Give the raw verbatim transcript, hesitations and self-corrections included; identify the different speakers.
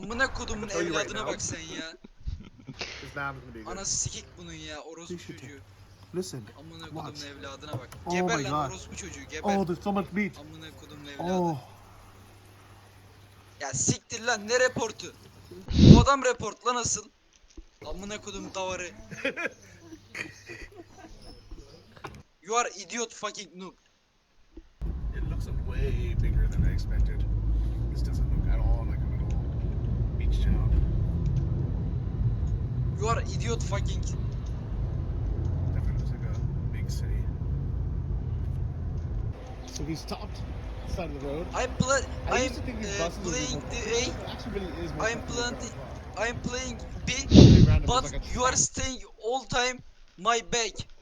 Speaker 1: Amına kodumun
Speaker 2: Tell you right
Speaker 1: evladına
Speaker 2: now.
Speaker 1: bak sen ya.
Speaker 2: This now is gonna be good.
Speaker 1: Anası sikik bunun ya orospu
Speaker 3: This should
Speaker 1: çocuğu.
Speaker 3: Listen.
Speaker 1: Amına
Speaker 3: Watch.
Speaker 1: kodumun evladına bak.
Speaker 3: Oh
Speaker 1: Geber
Speaker 3: my
Speaker 1: lan
Speaker 3: God.
Speaker 1: orospu çocuğu geber.
Speaker 3: Oh, there's so much meat.
Speaker 1: Amına kodumun evladı.
Speaker 3: Oh.
Speaker 1: Ya siktir lan ne reportu? Bu adam report lan asıl. Amına kodum davarı. You are idiot fucking noob.
Speaker 2: It looks way bigger than I expected. This doesn't look at all like a little beach town.
Speaker 1: You are idiot fucking.
Speaker 2: Definitely looks like a big city.
Speaker 4: So we stopped side of the road.
Speaker 1: I'm pla
Speaker 4: I
Speaker 1: I'm
Speaker 4: used to think these
Speaker 1: uh,
Speaker 4: buses would be
Speaker 1: playing
Speaker 4: more
Speaker 1: the
Speaker 4: comfortable.
Speaker 1: A.
Speaker 4: It actually really is more
Speaker 1: I'm
Speaker 4: comfortable
Speaker 1: playing
Speaker 4: than
Speaker 1: I'm playing B.
Speaker 4: Really random,
Speaker 1: But
Speaker 4: it's like a
Speaker 1: you are
Speaker 4: trap.
Speaker 1: staying all time my back.